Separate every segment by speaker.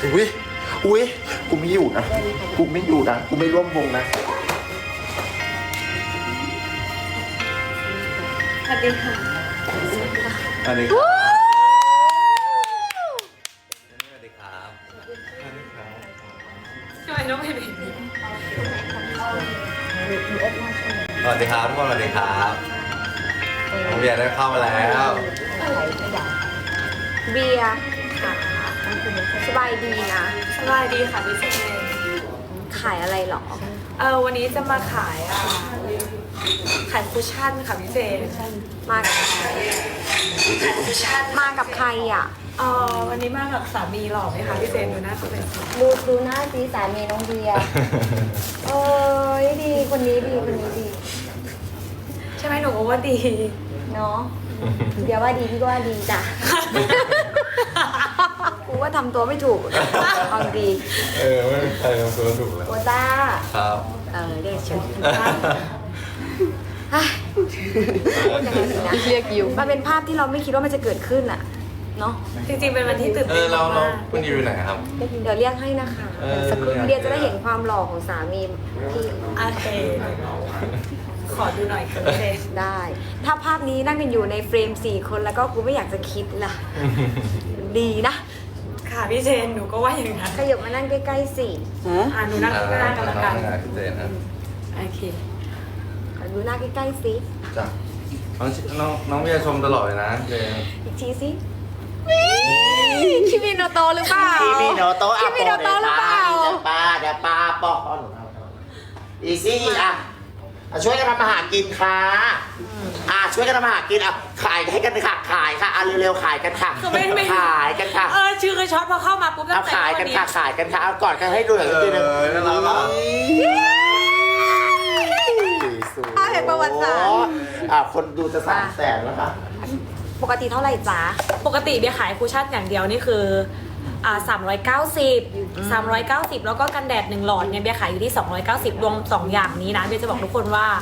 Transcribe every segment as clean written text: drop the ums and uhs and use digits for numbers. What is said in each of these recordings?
Speaker 1: อุ้ยอุ้ยกูไม่อยู่นะกูไม่อยู่นะกูไม่ร่วมวงนะ
Speaker 2: สวัสดีค่ะ
Speaker 1: อันนี้ครับ
Speaker 3: สวัสดีครับ
Speaker 2: ทำไมต้องเป็นแบบนี้
Speaker 3: สวัสดีครับทุกคนสวัสดีครับน้องเบียร์ได้เข้ามาแล้ว
Speaker 4: เบียร์ค่ะสบายดีนะ
Speaker 2: สบายดีค่ะพี่เจน
Speaker 4: ขายอะไรหรอ
Speaker 2: วันนี้จะมาขายขายคุชชั่นค่ะพี่เจน
Speaker 4: มากับใคร
Speaker 2: ขายคุชชั่น
Speaker 4: มากับใครอ่ะ
Speaker 2: วันนี้มากับสามีหล่อไหมคะพี่เจนดูหน้าเขาเลย
Speaker 4: ดูหน้าสีสามีน้องเบียร์เอ้ยดีคนนี้ดีคนนี้ดี
Speaker 2: ใช่ไหมหนูก็ว่าดี
Speaker 4: เนาะเบียร์ว่าดีพี่ก็ว่าดีจ้ะกูว่าทำตัวไม่ถูกเอาดี
Speaker 3: ไม่มีใครทำตัวถูกแล้ว
Speaker 4: โอต้า
Speaker 3: ครับ
Speaker 4: เรียกเฉยพูดยังไงดีนะเรียกยูมันเป็นภาพที่เราไม่คิดว่ามันจะเกิดขึ้นอ่ะเนาะ
Speaker 2: จริงๆเป็นวันที่ตื่นเต้น
Speaker 3: เรา
Speaker 2: มาก
Speaker 3: คุณอยู่ไหนครับ
Speaker 4: เดี๋ยวเรียกให้นะคะสักครู่เบียร์จะได้เห็นความหล่อของสามีพี่
Speaker 2: โอเคขอดูหน่อยค่ะพี่เจน
Speaker 4: ได้ ถ้าภาพนี้นั่งกันอยู่ในเฟรม4 คนแล้วก็กูไม่อยากจะคิดล่ะ ดีนะ
Speaker 2: ค่ะพี่เจนหนูก็ว่าอย่างนั้น
Speaker 4: ขยับมานั่งใกล้ๆสิ
Speaker 2: หนูนั่งข้างหน้ากันละกัน
Speaker 3: เจนครับ
Speaker 2: โอเค
Speaker 4: ขอดูหน้าใกล้ๆสิ
Speaker 3: จ้ะน้องเบียร์ชมตลอดเลยนะเจน
Speaker 4: อีกทีสิคิมิโนโตะหรือเปล่า
Speaker 1: คิมิโนโตะ
Speaker 4: คิมิโนโตะหรือเปล่า
Speaker 1: เดี๋ยวป้าปอกอีซี่ช่วยกันทำอาหารกินค่ะช่วยกันทำอาหารกินขายให้กันค่ะขายค่ะเร็วๆขายกันค่ะ
Speaker 2: คือไม่
Speaker 1: ขายกันค่ะ
Speaker 2: ชื่อคือช็อตพอเข้ามาปุ๊บตั้งแต่
Speaker 1: ขายกันค่ะขายกันค่ะเอาก่อนกันให้ดูหน่อยทีนึง
Speaker 3: น่ารักอ่ะ
Speaker 4: เห็นประวัติศาสตร์
Speaker 1: คนดูจะ300,000แล้วค่ะ
Speaker 4: ปกติเท่าไหร่จ๊ะ
Speaker 2: ปกติเบียร์ขายคุชชั่นอย่างเดียวนี่คือ390 แล้วก็กันแดด1หลอดเนี่ยเบียร์ขายอยู่ที่290รวม2อย่างนี้นะเบียร์จะบอกทุกคนว่า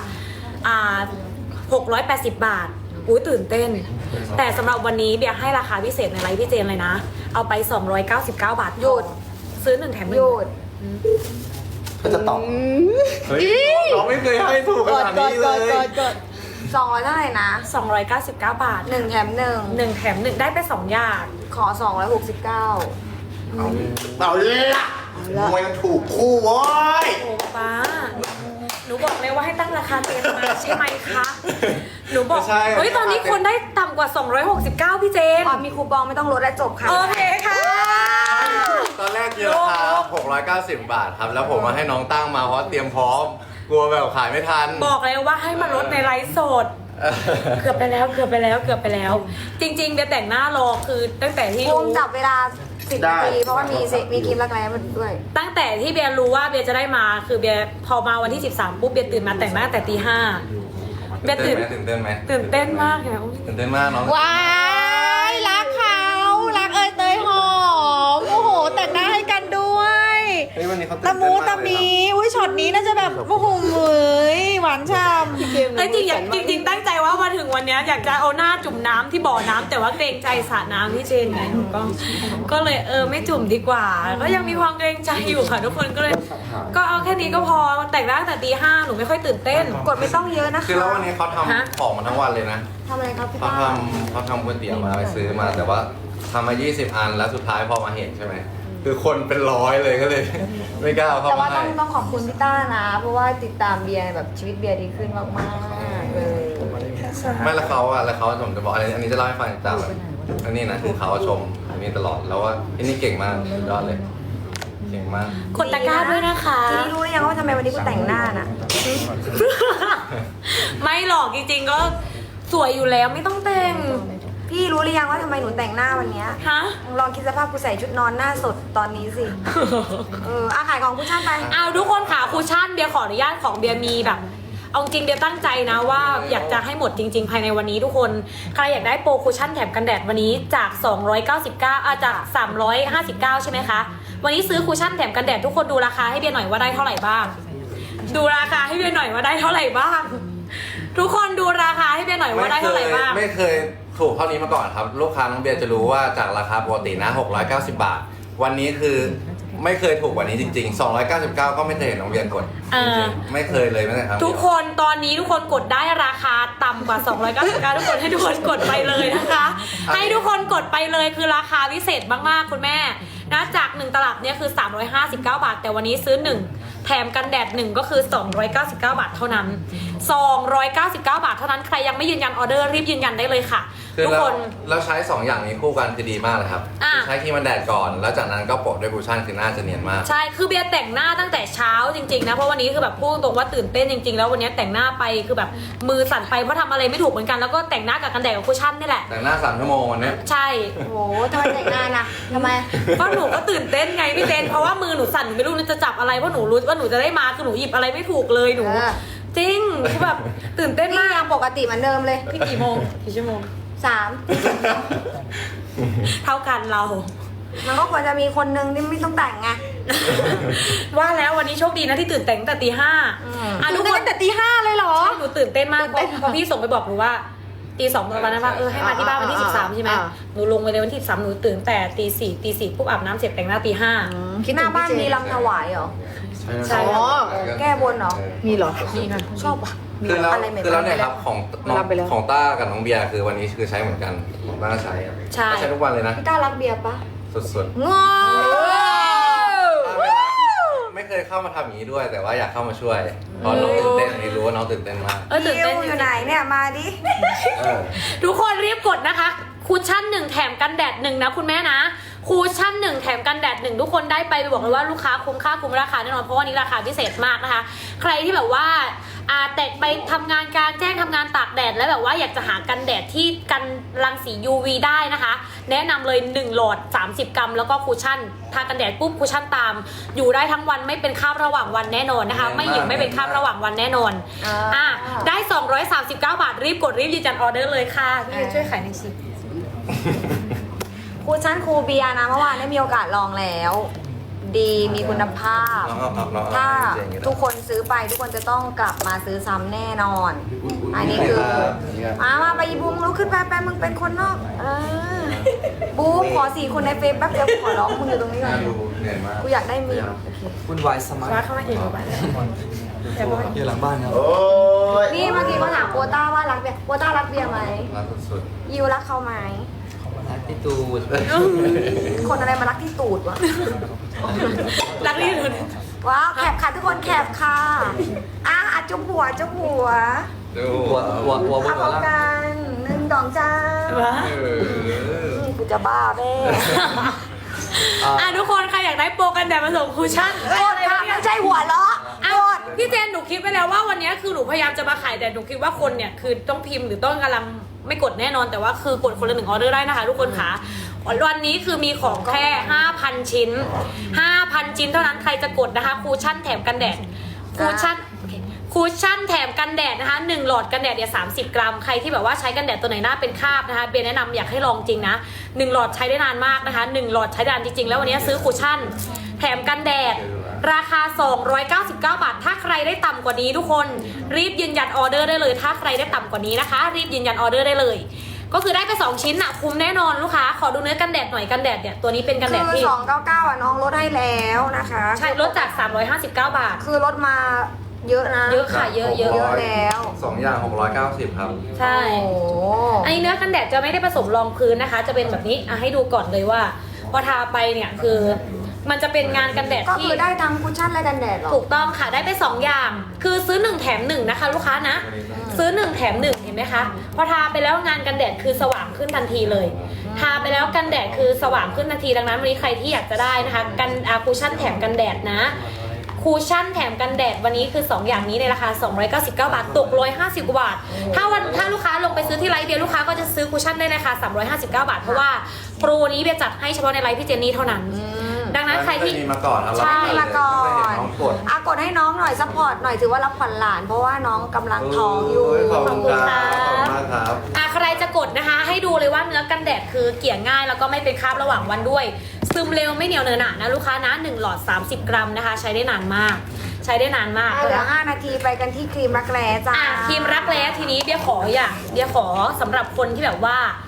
Speaker 2: 680 บาทอุ้ยตื่นเต้น แต่สำหรับวันนี้เบียร์ให้ราคาพิเศษในไลฟ์พี่เจนเลยนะ เอาไป299 บาท
Speaker 4: หยุด
Speaker 2: ซื้อ1แถม1
Speaker 4: หยุด
Speaker 1: ก็จะตอบ
Speaker 3: เฮ้ยน้องไม่เคยให้ถูกขนาดนี้เลย
Speaker 4: 200เท่าไหร่นะ
Speaker 2: 299 บาท
Speaker 4: 1 แถม
Speaker 2: 1แถม1ได้ไป2อย่าง
Speaker 4: 1 ขอ 269
Speaker 1: เอาละมวยมันถูกคู่โว้ย
Speaker 2: โอ้ป้าหนูบอกเลยว่าให้ตั้งราคาเต็มมาใช่ไหมคะหนูบอก
Speaker 3: ไม่ใช่
Speaker 2: เฮ้ยตอนนี้คนได้ต่ำกว่า269พี่เจน
Speaker 4: มีคูปองไม่ต้องลดและจบค่ะ
Speaker 2: โอเคค่ะ
Speaker 3: ตอนแรกคิดราคา690 บาทครับ แล้วผมมาให้น้องตั้งมาเพราะเตรียมพร้อม กลัวแบบขายไม่ทัน
Speaker 2: บอกเลยว่าให้มาลดในไลฟ์สด เกือบไปแล้ว จริงๆเบียร์แต่งหน้ารอคือตั้งแต่ที่
Speaker 4: ภู
Speaker 2: รู้
Speaker 4: มิจับเวลา 10 นาที เพราะว่ามีคลิปรักแร้มาด้วย
Speaker 2: ตั้งแต่ที่เบียร์รู้ว่าเบียร์จะได้มาคือเบียร์พอมาวันที่13ปุ๊บเบียร์ตื่นมาแต่งหน้าแต่ตี 5เบียร์ตื่น
Speaker 3: ตื่นเต้นไหม
Speaker 2: ตื่นเต้นมากเลยนะ
Speaker 3: ตื่นเต้นมากน้อง
Speaker 4: ว้ายรักเขารักเอยเตยหอมโอ้โหแต่งหน้าให้กันด้วย
Speaker 3: เฮ้ยวันนี้เขาตื่น
Speaker 4: ตะ
Speaker 3: เต้น
Speaker 4: มู
Speaker 3: มาก
Speaker 4: ตะ
Speaker 3: เลย
Speaker 4: มี
Speaker 3: นะ
Speaker 4: อุ้ยช็อตนี้น่าจะแบบโอ้โหเหมยหวานฉ่ำ
Speaker 2: เอ้ยจริงตั้งใจว่ามาถึงวันเนี้ยอยากจะเอาหน้าจุ่มน้ำที่บ่อน้ำแต่ว่าเกรงใจสระน้ำที่เจนไงหนูก็เลยไม่จุ่มดีกว่า ก็ยังมีความเกรงใจอยู่ค่ะทุกคนก็เลย ก็เอาแค่นี้ก็พอแต่งหน้าแต่ตี 5หนูไม่ค่อยตื่นเต้น
Speaker 4: กดไม่ต้องเยอะนะคะ
Speaker 3: คือแล้ววันนี้เขา
Speaker 2: ฮะ
Speaker 3: ทำของมาทั้งวันเลยนะ
Speaker 4: ทำอะไรครับพี่
Speaker 3: เขา
Speaker 4: ป้า
Speaker 3: ทำก๋วยเตี๋ยวมาไปซื้อมา แต่ว่าทำมา 20 อันแล้วสุดท้ายพอมาเห็นใช่ไหม คือคนเป็นร้อยเลยก็เลย ไม่กล้าเอาเข้า
Speaker 4: แต่ว่า
Speaker 3: มา
Speaker 4: ต้
Speaker 3: ให้
Speaker 4: องขอบคุณพี่ต้านะ เพราะว่าติดตามเบียร์แบบชีวิตเบียร์ดีขึ้นมากๆเลย
Speaker 3: ไม่แล้วเขาผมจะบอกอันนี้จะเล่าให้ฟังจากแบบอันนี้นะคือเขาชมอันนี้ตลอดแล้วว่าอันนี้เก่งมากสุดยอดเลย เก่งมาก
Speaker 2: กดตะกร้าด้วยนะคะ
Speaker 4: ทีนี้รู้หรือยังว่าทำไมวันนี้กูแต่งหน้าน่ะ
Speaker 2: ไม่หรอกจริงๆก็สวยอยู่แล้วไม่ต้องแต่ง
Speaker 4: พี่รู้หรือยังว่าทำไมหนูแต่งหน้าวันเนี้ย
Speaker 2: ฮะ
Speaker 4: ลองคิดสภาพกูใส่ชุดนอนหน้าสดตอนนี้สิ ขายของผู้ชายไป
Speaker 2: เอาทุกคนค่ะคูชั่นเบียร์ขออนุญาตของเบียร์มีแบบ เอาจริงเบียร์ตั้งใจนะว่าอยากจะให้หมดจริง ๆ ภายในวันนี้ทุกคนใครอยากได้โปรคูชั่นแถมกันแดดวันนี้จาก 299จาก 359 ใช่ไหมคะ วันนี้ซื้อคูชั่นแถมกันแดดทุกคนดูราคาให้เบียร์หน่อยว่าได้เท่าไหร่บ้าง ดูราคาให้เบียร์หน่อยว่าได้เท่าไหร่บ้าง ทุกคนดูราคาให้เบียร์หน่อยว่าได้เท่าไหร่บ้าง
Speaker 3: ไม่เคยถูกเท่านี้มาก่อนครับ ลูกค้าน้องเบียร์จะรู้ว่าจากราคาปกตินะ690 บาท ผวันนี้คือไม่เคยถูกกว่านี้จริงๆ 299 ก็ไม่เคยเห็นน้องเบียร์กดจริงๆไม่เคยเลยแม้แต่ครั้งเดียว
Speaker 2: ทุกคนตอนนี้ทุกคนกดได้ราคาต่ำกว่า 299ทุกคนให้ทุกคนกดไปเลยนะคะ ให้ทุกคนกดไปเลยคือราคาพิเศษมากๆคุณแม่นะจาก1ตลับเนี่ยคือ359 บาทแต่วันนี้ซื้อ1แถมกันแดด1ก็คือ299 บาทเท่านั้น299 บาทเท่านั้นใครยังไม่ยืนยันออเดอร์รีบยืนยันได้เลยค่ะ
Speaker 3: คือ
Speaker 2: ทุกคน
Speaker 3: เราใช้ 2 อย่างนี้คู่กันคือดีมากเลยครับ
Speaker 2: อ่ะ
Speaker 3: คือใช้ครีมกันแดดก่อน แล้วจากนั้นก็โปะด้วยคูชั่นคือหน้าจะเนียนมาก
Speaker 2: ใช่คือเบียร์แต่งหน้าตั้งแต่เช้าจริงๆนะเพราะวันนี้คือแบบพูดตรงว่าตื่นเต้นจริงๆแล้ววันนี้แต่งหน้าไปคือแบบมือสั่นไปเพราะทำอะไรไม่ถูกเหมือนกันแล้วก็แต่งหน้ากับกันแดดกับคุชชั่นนี่แหละ
Speaker 3: แต่งหน้า3 ชั่วโมงวันนี้
Speaker 2: ใช่
Speaker 4: โอ้โหทำไมแต่งงานอ่ะทำไม
Speaker 2: เพราะหนูก็ตื่นเต้นไงพี่เต้นเพราะว่ามือหนูสั่นหนูไม่รู้จะจับอะไรเพราะหนูรู้ว่าหนูจะได้มาคือหนูหยิบอะไรไม่ถูกเลยหนู จริงคือแบบตื่นเต้น
Speaker 4: นี่
Speaker 2: มาก
Speaker 4: ยังปกติเหมือนเดิมเลย
Speaker 2: พี่กี่โมงกี่ชั่วโมง
Speaker 4: 3
Speaker 2: เท่ากันเรา
Speaker 4: มันก็ควรจะมีคนนึงที่ไม่ต้องแต่งไง
Speaker 2: ว่าแล้ววันนี้โชคดีนะที่ตื่นแต่งตั้งแต่ตี 5อ่ะทุกคน
Speaker 4: ตั้งแต่ตี 5เลยเหรอ
Speaker 2: ใช่หนูตื่นเต้นมาก
Speaker 4: ตื่นเต้น
Speaker 2: พอพี่ส่งไปบอกหนูว่าตี 2ประมาณนั้นว่าให้มาที่บ้านวันที่13ใช่ไหมหนูลงไปเลยวันที่13หนูตื่นแต่ตี 4ปุ๊บอาบน้ำเสร็จแต่งหน้าตี
Speaker 4: หน้าบ้านมีลำถวายเหรอ
Speaker 2: ใช่
Speaker 4: อ๋อ แก้บนเหรอ
Speaker 5: มีเหรอ
Speaker 2: มีค่ะ
Speaker 4: ชอบว่ะ
Speaker 3: คือแล้ว
Speaker 4: อะไรใหม่ๆ
Speaker 3: คือแล้วเนี่ยครับของน้อง
Speaker 5: รับไปแล้ว
Speaker 3: ของต้ากับน้องเบียร์คือวันนี้คือใช้เหมือนกันของต้าใช้อะ
Speaker 2: ใช่
Speaker 3: ก็ใช้ทุกวันเลยนะ
Speaker 4: พี่ต้ารักเบียร์ปะ
Speaker 3: สุดๆ
Speaker 4: งอ
Speaker 3: ไม่เคยเข้ามาทำอย่างนี้ด้วย แต่ว่าอยากเข้ามาช่วยเพราะน้องตื่นเต้นอันนี้รู้ว่าน้องตื่นเต้นมาก
Speaker 2: ตื่นเต้น
Speaker 4: อยู่ไหนเนี่ยมาดิ
Speaker 3: เออ
Speaker 2: ทุกคนรีบกดนะคะคูชั่น1แถมกันแดด1นะคุณแม่นะคูชั่น1แถมกันแดด1ทุกคนได้ไปบอกเลยว่าลูกค้าคุ้มค่าคุ้มราคาแน่นอนเพราะว่านี้ราคาพิเศษมากนะคะ ใครที่แบบว่าแต่ไปทำงานกลางแจ้งทำงานตากแดดแล้วแบบว่าอยากจะหากันแดดที่กันรังสี UV ได้นะคะ แนะนำเลย1หลอด30 กรัมแล้วก็คูชั่นทากันแดดปุ๊บคูชั่นตาม อยู่ได้ทั้งวันไม่เป็นคราบระหว่างวันแน่นอนนะคะ ไม่หยิบไม่เป็นคราบระหว่างวันแน่นอนได้239 บาทรีบกดรีบยืนยันออเดอร์เลยค่ะพี่ช่วยขายหน่อยสิ
Speaker 4: ครูชั้นครูเบียร์นะเมื่อวานได้มีโอกาสลองแล้ว ดีมีคุณภาพ
Speaker 3: น้อง
Speaker 4: ถ้า
Speaker 3: เจ๋งอยู่นะ
Speaker 4: ทุกคนซื้อไปทุกคนจะต้องกลับมาซื้อซ้ำแน่นอน อันนี้คือมาไปอีบูมลุกขึ้นไปมึงเป็นคนนอกบูมขอ4 คนในเฟซแป๊บเดียวขอร้องมึงอยู่ตรงนี้ก่อน
Speaker 3: ดูเหนื่อยมาก
Speaker 4: กูอยากได้มี
Speaker 5: วุ่นวายสมัคร
Speaker 2: ว่าเข้ามาเองหรือเปล่า
Speaker 5: อยู่หลังบ้านครับ
Speaker 1: โอ้ย
Speaker 4: นี่เมื่อกี้เขาถามโปต้าว่ารักเบียร์โปต้ารักเบียร์ไหม
Speaker 3: รักสุด
Speaker 4: ยิวรักเขาไหม
Speaker 5: รักที่ตูด
Speaker 4: คนอะไรมารักที่ตูดวะ
Speaker 2: รักนี่เลย
Speaker 4: ว้าวแคบค่ะทุกคนแคบค่ะจุ๊บหัวจุ๊บหัว
Speaker 3: ๆดู
Speaker 5: หัวบ
Speaker 4: เอา
Speaker 5: น
Speaker 4: พร้อม
Speaker 5: ล่าง
Speaker 4: กัน1 2 จ้า
Speaker 2: ว้า
Speaker 3: เออ
Speaker 4: กูจะบ้าแม่
Speaker 2: ทุกคนใครอยากได้โปรกันแดดมาส่งคูชั่น
Speaker 4: โกรธค่ะไม่ใช่หัวเราะ
Speaker 2: อ้าวพี่เจนหนูคิดไปแล้วว่าวันนี้คือหนูพยายามจะมาขายแต่หนูคิดว่าคนเนี่ยคือต้องพิมพ์หรือต้องกำลังไม่กดแน่นอนแต่ว่าคือกดคนละ1ออเดอร์ได้นะคะทุกคนค่ะวันนี้คือมีของแค่ 5,000 ชิ้น 5,000 ชิ้นเท่านั้นใครจะกดนะคะคูชั่นแถมกันแดดคูชั่นคูชั่นแถมกันแดดนะคะ1หลอดกันแดดเนี่ย30 กรัมใครที่แบบว่าใช้กันแดดตัวไหนหน้าเป็นคราบนะคะเบียร์แนะนำอยากให้ลองจริงนะ1หลอดใช้ได้นานมากนะคะ1หลอดใช้ได้นานจริงๆแล้ววันนี้ซื้อคูชั่นแถมกันแดดราคา299 บาทถ้าใครได้ต่ำกว่านี้ทุกคนรีบยืนยันออเดอร์ได้เลยถ้าใครได้ต่ำกว่านี้นะคะรีบยืนยันออเดอร์ได้เลยก็คือได้ไป2ชิ้นอะคุ้มแน่นอนลูกค้าขอดูเนื้อกันแดดหน่อยกันแดดเนี่ยตัวนี้เป็นกันแดด
Speaker 4: คือ
Speaker 2: ที่
Speaker 4: 299น้องลดให้แล้วนะคะ
Speaker 2: ใช่ลดจาก359 บาท
Speaker 4: คือลดมาเยอะนะ
Speaker 2: เยอะค่ะเยอะ
Speaker 4: เยอะแล้ว
Speaker 3: 2 อย่าง690ครับ
Speaker 2: ใช่
Speaker 4: โอ้โห
Speaker 2: อันนี้เนื้อกันแดดจะไม่ได้ผสมรองพื้นนะคะ จะเป็นแบบนี้ให้ดูก่อนเลยว่าพอทาไปเนี่ยคือมันจะเป็นงานกันแดด
Speaker 4: ก็
Speaker 2: ที่
Speaker 4: คือได้ทั้งคุชชั่นและกันแดดเหรอ
Speaker 2: ถูกต้องค่ะได้ไป2อย่าง คือซื้อ1แถม1นะคะลูกค้านะซื้อ1แถม1เห็นไหมคะพอทาไปแล้วงานกันแดดคือสว่างขึ้นทันทีเลยทาไปแล้วกันแดดคือสว่างขึ้นทันทีดังนั้นวันนี้ใครที่อยากจะได้นะคะกันคูชั่นแถมกันแดดนะคูชั่นแถมกันแดดวันนี้คือ2อย่างนี้ในราคา299 บาทตก150 กว่าบาทถ้าลูกค้าลงไปซื้อที่ไลฟ์เบียร์ลูกค้าก็จะซื้อคูชั่นได้ในราคา359 บาทเพราะว่าโปรนี้เบียร์จัดให้เฉพาะในไลฟ์พี่เจนนี่เท่านั้นดังนั้นใครที่
Speaker 3: มีมาก่อนครับ
Speaker 2: ใช่
Speaker 4: มาก่อน
Speaker 3: ไม่เห็นน้องกด
Speaker 4: กดให้น้องหน่อยซัพพอร์ตหน่อยถือว่ารับขวัญหลาน เพราะว่าน้องกำลังท้องอยู่
Speaker 3: ขอบคุณครับขอบคุณมากครับ
Speaker 2: ใครจะกดนะคะให้ดูเลยว่าเนื้อกันแดดคือเกลี่ยง่ายแล้วก็ไม่เป็นคราบระหว่างวันด้วยซึมเร็วไม่เหนียวเนอะหนะลูกค้านะ1หลอด30 กรัมนะคะใช้ได้นานมากใช้ได้นานมาก
Speaker 4: เหลือ5 นาทีไปกันที่ครีมรักแร้จ้า
Speaker 2: ครีมรักแร้ทีนี้เบียร์ขอสำหรับคนที่แบบว่า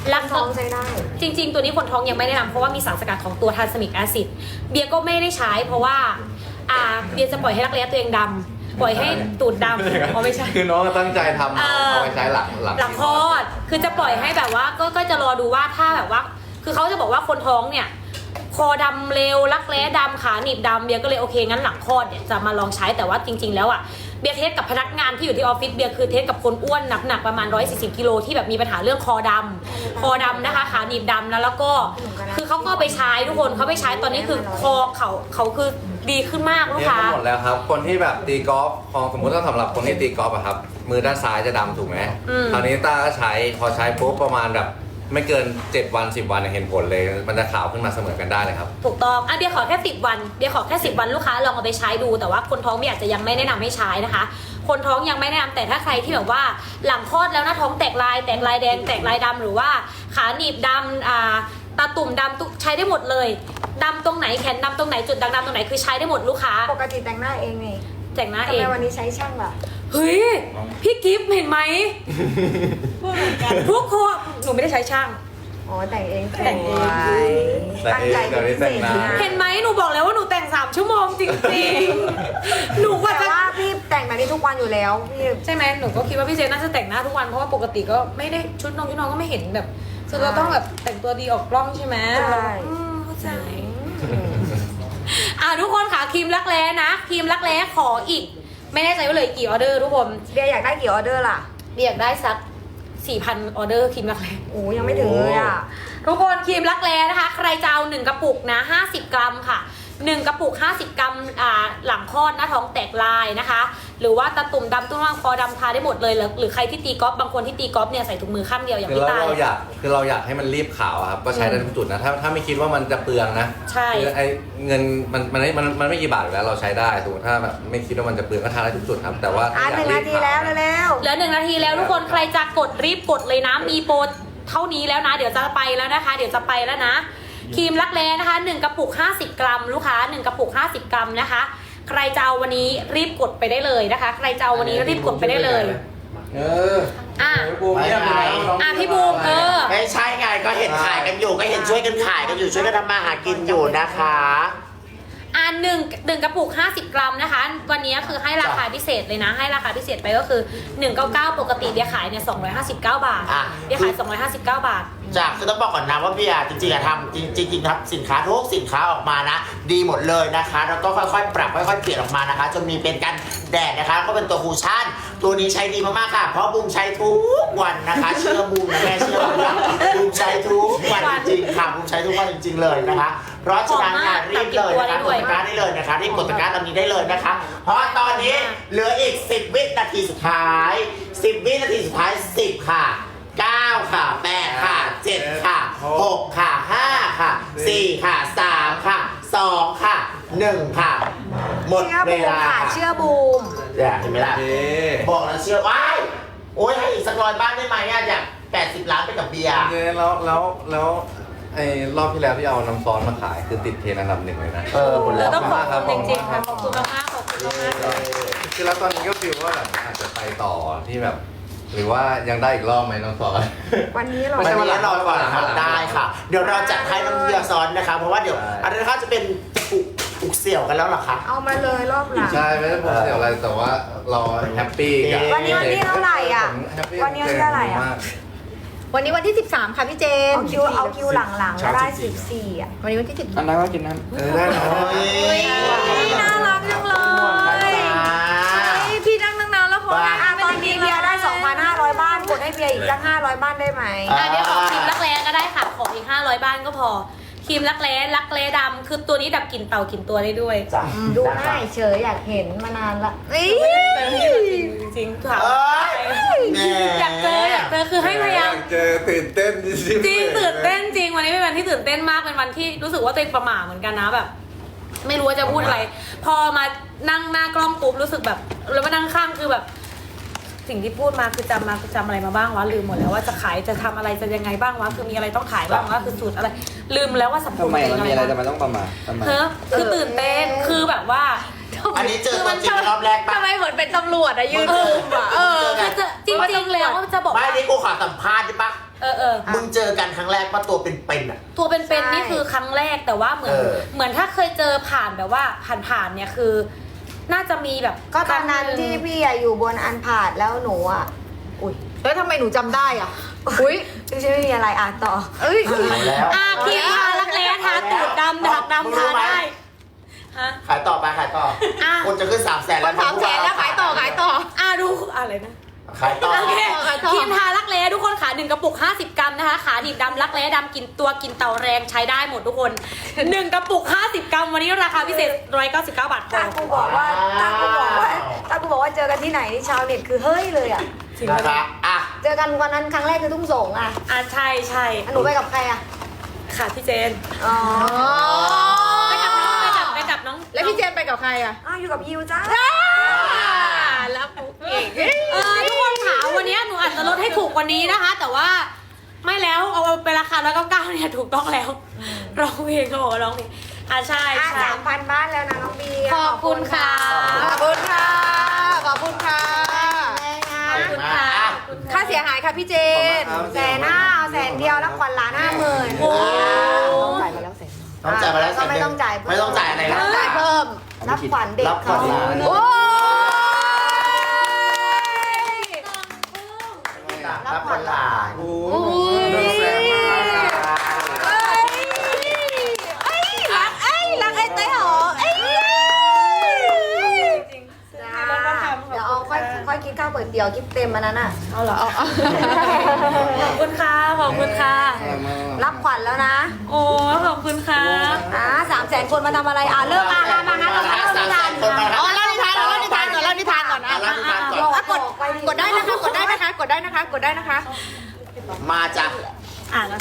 Speaker 2: รัก
Speaker 4: ท้องใช้ได้
Speaker 2: จริง ๆ ตัวนี้คนท้องยังไม่แนะนำเพราะว่ามีสารสกัดของตัวทานสมิกแอซิดเบียร์ก็ไม่ได้ใช้เพราะว่าเบียร์จะปล่อยให้รักแร้ตัวเองดำปล่อยให้ตูดดำอ๋อไม่ใช่
Speaker 3: คือน้องก็ตั้งใจทำเอาไปใช้หลัง
Speaker 2: หลังคลอด คือจะปล่อยให้แบบว่าก็จะรอดูว่าถ้าแบบว่า คือเขาจะบอกว่าคนท้องเนี่ย คอดำเร็วรักแร้ดำขาหนีบดำเบียร์ก็เลยโอเคงั้นหลังคลอดเนี่ยจะมาลองใช้แต่ว่าจริง ๆ แล้วอ่ะเบียร์เทสกับพนักงานที่อยู่ที่ออฟฟิศเบียร์คือเทสกับคนอ้วนหนักประมาณ140 กิโลที่แบบมีปัญหาเรื่องคอดำนะคะขาหนีบดำแล้วก็คือเขาก็ไปใช้ทุกคนเขาไปใช้ตอนนี้คือคอเขาคือดีขึ้นมากลูก
Speaker 3: เนี่ย
Speaker 2: ค้า
Speaker 3: หมดแล้วครับ คนที่แบบตีกอล์ฟสมมติถ้าสำหรับคนที่ตีกอล์ฟอะครับ มือด้านซ้ายจะดำถูกไหมคราวนี้ต้าก็ใช้พอใช้ปุ๊บประมาณแบบไม่เกิน7 วัน 10 วันเห็นผลเลย มันจะขาวขึ้นมาเสมอกันได้เลยครับ
Speaker 2: ถูกต้องเบียร์ขอแค่10 วันเบียร์ขอแค่10 วันลูกค้าลองเอาไปใช้ดูแต่ว่าคนท้องเบียร์อาจจะยังไม่แนะนำให้ใช้นะคะ คนท้องยังไม่แนะนำแต่ถ้าใครที่แบบว่าหลังคลอดแล้วหน้าท้องแตกลายแดงแตกลายดำหรือว่าขาหนีบดำตาตุ่มดำใช้ได้หมดเลยดำตรงไหนแขนดำตรงไหนจุดด่างดำตรงไหนคือใช้ได้หมดลูกค้า
Speaker 4: ปกติแต่งหน้าเองนี่
Speaker 2: แต่งหน้า
Speaker 4: ทำ
Speaker 2: เอ
Speaker 4: ไม
Speaker 2: ง
Speaker 4: วันนี้ใช้ช่างล่ะ
Speaker 2: เฮ้ยพี่กิฟต์เห็นไหมทุกคนหนูไม่ได้ใช้ช่าง
Speaker 4: อ๋อแต่งเอง
Speaker 2: แต่งเอง
Speaker 4: ตั้งใจเป็นพิเศษนะ
Speaker 2: เห็นไหมหนูบอกแล้วว่าหนูแต่ง3 ชั่วโมงจริงๆหนูกว่า
Speaker 4: แต่
Speaker 2: จะ
Speaker 4: ว่าพี่แต่งแบบนี้ทุกวันอยู่แล้วพี่
Speaker 2: ใช่ไหมหนูก็คิดว่าพี่เจน่าจะแต่งหน้าทุกวันเพราะว่าปกติก็ไม่ได้ชุดนอนก็ไม่เห็นแบบคือเราต้องแบบแต่งตัวดีออกกล้องใช่ไหม
Speaker 4: ใช่
Speaker 2: เข้าใจทุกคนค่ะครีมรักแร้นะครีมรักแร้ขออีก ไม่แน่ใจว่าเลยกี่ออเดอร์ทุกคน
Speaker 4: เบียร์อยากได้กี่ออเดอร์ล่ะ
Speaker 2: เรียกได้สัก 4,000 ออเดอร์ครีมรักแร้
Speaker 4: โอ้ยังไม่ถึงเลยอ่ะ
Speaker 2: ทุกคนครีมรักแร้นะคะ ใครจะเอา1 กระปุกนะ50 กรัมค่ะ1 กระปุก50 กรัมหลังคลอดหน้าท้องแตกลายนะคะ หรือว่าตาตุ่มดำตุ้งร่างคอดำทาได้หมดเลยหรือใครที่ตีกอล์ฟบางคนที่ตีกอล์ฟเนี่ยใส่ถุงมือข้างเดียวอย่าง
Speaker 3: คือ
Speaker 2: พี่ตาย
Speaker 3: เราอยากให้มันรีบขาวอะครับก็ใช้ได้ทุกจุดนะถ้าไม่คิดว่ามันจะเปลืองนะ
Speaker 2: ใช่
Speaker 3: คือไอ้เงินมันไม่กี่บาทอยู่แล้วเราใช้ได้สมมติถ้าแบบไม่คิดว่ามันจะเปลืองก็ทาได้ทุกจุดครับแต่ว่า
Speaker 4: 1 นาทีแล้วเร็ว
Speaker 2: เหลือ1 นาทีแล้วทุกคนใครจะกดรีบกดเลยนะมีโปรเท่านี้แล้วนะเดี๋ยวจะไปแล้วนะคะเดี๋ยวจะไปแล้วนะครีมรักแร้นะคะ1 กระปุก50 กรัมลูกค้า1 กระปุก50 กรัมนะคะใครจะเอาวันนี้รีบกดไปได้เลยนะคะใครจะเอาวันนี้รีบกดไปได้เลย
Speaker 1: ไม่ไง
Speaker 2: พี่บูม
Speaker 1: ไม่ใช่ไงก็เห็นขายกันอยู่ก็เห็นช่วยกันขายกันอยู่ช่วยกันทำมาหากินอยู่นะคะ
Speaker 2: หนึ่งกระปุก50 กรัมนะคะวันนี้คือให้ราคาพิเศษเลยนะให้ราคาพิเศษไปก็คือ199ปกติเบียร์ขายเนี่ย259 บาทเบียร์ขาย259 บาท
Speaker 1: จากคือต้องบอกก่อนนะว่าพี่จริงๆทำจริงๆครับสินค้าทุกสินค้าออกมานะดีหมดเลยนะคะแล้วก็ค่อยๆปรับค่อยๆเปลี่ยนออกมานะคะจนมีเป็นกันแดดนะคะก็เป็นตัวคูชั่นตัวนี้ใช้ดีมากๆค่ะเพราะบูมใช้ทุกวันนะคะเชื่อบูมนะแม่เชื่อบูมนะบูมใช้ทุกวันจริงๆค่ะบูมใช้ทุกวันจริงๆเลยนะคะเพราะฉะนั้นรีบเลยนะคะกดตะกร้าได้เลยนะคะรีบกดตะกร้าตอนนี้ได้เลยนะคะเพราะตอนนี้เหลืออีก10 วินาทีสุดท้าย10 วินาทีสุดท้าย10 ค่ะ9 ค่ะ 8 ค่ะ 7 ค่ะ 6 ค่ะ 5 ค่ะ 4 ค่ะ 3 ค่ะ 2 ค่ะ 1 ค่ะ หมด
Speaker 4: เชื่อ
Speaker 1: เว
Speaker 4: บูม
Speaker 1: ลา
Speaker 4: ค่ะ
Speaker 1: ค่ะ
Speaker 4: เชื่อบูม
Speaker 1: เนี่ยเห็นไหมล่ะ
Speaker 3: โอเค
Speaker 1: บอกแล้วเชื่อว้ายโอ้ยให้อีกสัก100 บ้านได้ไหมอะอยาก80 ล้านไปกับเบียร์
Speaker 3: โอเคแล้วไอ้รอบที่แล้วที่เอาน้ำซอสมาขายคือติดเทรนด์อันดับ 1เลยนะ
Speaker 1: หมดแล้ว
Speaker 2: ต้องขอบ
Speaker 3: ครับ
Speaker 2: คุณจริงๆค่ะขอบคุณมากๆขอบคุณมากๆเลย
Speaker 3: คือแล้วตอนนี้ก็ฟีลว่าแบบอาจจะไปต่อที่แบบ หรือว่ายังได้อีกรอบไหมน้ำซอส
Speaker 4: วันนี้เรา
Speaker 1: ไม่ใช่วันนี้รอก่อนนะครับ
Speaker 3: วันหลัง
Speaker 1: ได้ค่ะ เดี๋ยวเราจัดให้น้ำเบียร์ซ้อนนะคะเพราะว่าเดี๋ยว
Speaker 3: ใช่
Speaker 1: อันนี้เขาจะเป็นปุกเสี่ยวกันแล้วเหรอคะ
Speaker 4: เอามาเลยรอบหลัง
Speaker 3: ใช่ไม่ได้ผมเสียอะไรแต่ว่าเราแฮปปี้กับ
Speaker 4: วันนี้วันที่เท่าไหร่อะ
Speaker 3: ผมแฮปปี้
Speaker 4: วันนี้วันที่เท่าไหร่อะ
Speaker 3: มาก
Speaker 6: วันนี้วันที่ 13 ค่ะพี่เจม
Speaker 4: เอาคิวหลังๆได้14อ่ะ
Speaker 6: วันนี้วันที่
Speaker 5: อันนั้นก็กินนั้น
Speaker 3: ได้นะ
Speaker 6: น่ารักจังเลย พี่นั่งตั้งนานแล้วพอ
Speaker 4: ตอนนี้เบียร์ได้ 2,500 บ้านกดให้เบียร์อีกสัก500 บ้านได้ไหม
Speaker 2: เดี๋ยวขอครีมรักแร้ก็ได้ค่ะขออีก500 บ้านก็พอครีมรักแร้ดำคือตัวนี้ดับกลิ่นเต่ากลิ่นตัวได้ด้วย
Speaker 1: จ้ะ
Speaker 4: ดูง่ายเฉยอยากเห็นมานานละ
Speaker 2: จริงๆค่ะ
Speaker 1: เอ้ยแหม
Speaker 2: อยากเจอคือให้พยายาม
Speaker 3: เจอตื่นเต้นจริง
Speaker 2: จริงตื่นเต้นจริงวันนี้เป็นวันที่ตื่นเต้นมากเป็นวันที่รู้สึกว่าตัวเองประหม่าเหมือนกันนะแบบ ไม่รู้ว่าจะพูดอะไร พอมานั่งหน้ากล้องปุ๊บรู้สึกแบบแล้วมานั่งข้างคือแบบ สิ่งที่พูดมาคือจำอะไรมาบ้างวะลืมหมดแล้วว่าจะขายจะทำอะไรจะยังไงบ้างวะคือมีอะไรต้องขายบ้างวะคือสูตรอะไร ลืมแล้วว่าสัม
Speaker 5: ทำไมมันมีอะไร
Speaker 2: บ้าง
Speaker 5: ทำไมต้องประมาททำไม
Speaker 2: เฮ้อคือตื่นเต้นคือแบบว่า
Speaker 1: อันนี้เจอตัวจริงรอบแรกปะ
Speaker 6: ทำไมเหมือนเป็นตำรวจอะยืนคุมอะ
Speaker 2: คือจริงๆแล้วจะบอก
Speaker 1: ไม่
Speaker 2: ว่า
Speaker 1: นี่กูขอสัมภาษณ์ได้ปะมึงเจอกันครั้งแรกปะตัวเป็นๆอ่ะ
Speaker 2: ตัวเป็นๆนี่คือครั้งแรกแต่ว่าเหมือน
Speaker 1: เออ
Speaker 2: เหมือนถ้าเคยเจอผ่านแบบว่าผ่านๆเนี่ยคือ น่าจะมีแบบ
Speaker 4: ก็ตอนนั้นที่พี่อะอยู่บนอันผาดแล้วหนูอ่ะอุ้ย
Speaker 6: แล้วทำไมหนูจำได้อ่ะ อุ้ย
Speaker 4: ไม่มีอะไรอ่ะต่อ
Speaker 6: เอ้ย
Speaker 1: เอาแล้ว
Speaker 2: ครีมทารักแร้ทาตูดดำดักดำทาได้ฮะ
Speaker 1: ขายต่อไปขายต่อ
Speaker 2: อ่ะ
Speaker 1: คนจะขึ้น300,000
Speaker 6: ค
Speaker 1: แล้ว
Speaker 6: น300,000แล้วขายต่อขายต่อ
Speaker 2: ดูอะไรนะ
Speaker 1: ขายต่อ
Speaker 2: โอเค
Speaker 6: ขายต่อ
Speaker 2: ครีมทารักแร้ทุกคนขา1กระปุก50 กรัมนะคะขาดิบดำรักแร้ดำกินตัวกินเต่าแรงใช้ได้หมดทุกคน1กระปุก50 กรัมวันนี้ราคาพิเศษ199 บาทพอ
Speaker 4: ถ้ากูบอกว่าเจอกันที่ไหนนี่ชาวเน็ตคือเฮ้ยเลยอ่ะ
Speaker 1: นะคะอ่ะ
Speaker 4: เจอกันวันนั้นครั้งแรกคือทุ่งสงอ่ะ
Speaker 2: ใช่ใช่
Speaker 4: อ่ะหนูไปกับใครอ่ะ
Speaker 2: ค่ะพี่เจน
Speaker 4: อ๋อ
Speaker 2: ไปกับน้องไปกับน้อง
Speaker 6: แล้วพี่เจนไปกับใครอ่ะ
Speaker 4: อ้าวอยู่กับยิวจ้า
Speaker 6: แล้วเก่ง
Speaker 2: ทุกคนขาวันนี้หนูอาจจะลดให้ถูกกว่านี้นะคะ แต่ว่าไม่แล้วเอาไปราคา199เนี่ยถูกต้องแล้วร้องเพลงเขาบอกว่าร้องเพลงใช่
Speaker 4: อ่ะ
Speaker 2: ใช่
Speaker 4: 3,000 บ้านแล้วนะน้องบี
Speaker 2: ขอบคุณค่ะ
Speaker 6: ขอบคุณค่ะ ขอบคุณค่ะ
Speaker 2: ขอบคุณค่ะ
Speaker 6: ค่าเสียหายค่ะพี่เจน
Speaker 4: 150,000แล้วขวัญล้าน50,000
Speaker 2: โอ้
Speaker 4: ต้องจ่ายมาแล้ว100,000
Speaker 1: ต้องจ่ายมาแล้ว
Speaker 4: ก็ไม่ต้องจ่าย
Speaker 1: ไม่ต้องจ่ายอะไรนะ
Speaker 6: จ่ายเพิ่ม
Speaker 4: รับขวัญเด็ก
Speaker 1: รับขวั
Speaker 4: เขา
Speaker 1: ญล้าน
Speaker 6: โอ้ย
Speaker 1: รับคนหลาน
Speaker 5: โอ้
Speaker 6: ย
Speaker 5: แซ่บมาก
Speaker 6: รักไอ้เต้หอไอ้
Speaker 4: เดี๋ยวเอาค่อยคิดค่าก๋วยเตี๋ยวคิดเต็มอันนั้นอ่ะ
Speaker 2: เอาเหรอขอบคุณค่ะขอบคุณค่ะ
Speaker 4: รับขวัญแล้วนะ
Speaker 2: โอ้ขอบคุณค่ะ
Speaker 4: 300,000 คนมาทำอะไรเลิกมางั้นเราเล่านิทาน
Speaker 1: คนมา
Speaker 6: อ๋อเล่านิทานก่อนเล่านิทานก่อนเล่านิทานก่อน
Speaker 1: อ่ะ
Speaker 6: อ่ะ
Speaker 1: รับนิทานก่อน
Speaker 6: อ่ะกดได้นะคะ กดได้นะคะ กดได้นะคะ กดได้นะคะ
Speaker 1: มาจ้ะ
Speaker 2: แล้ว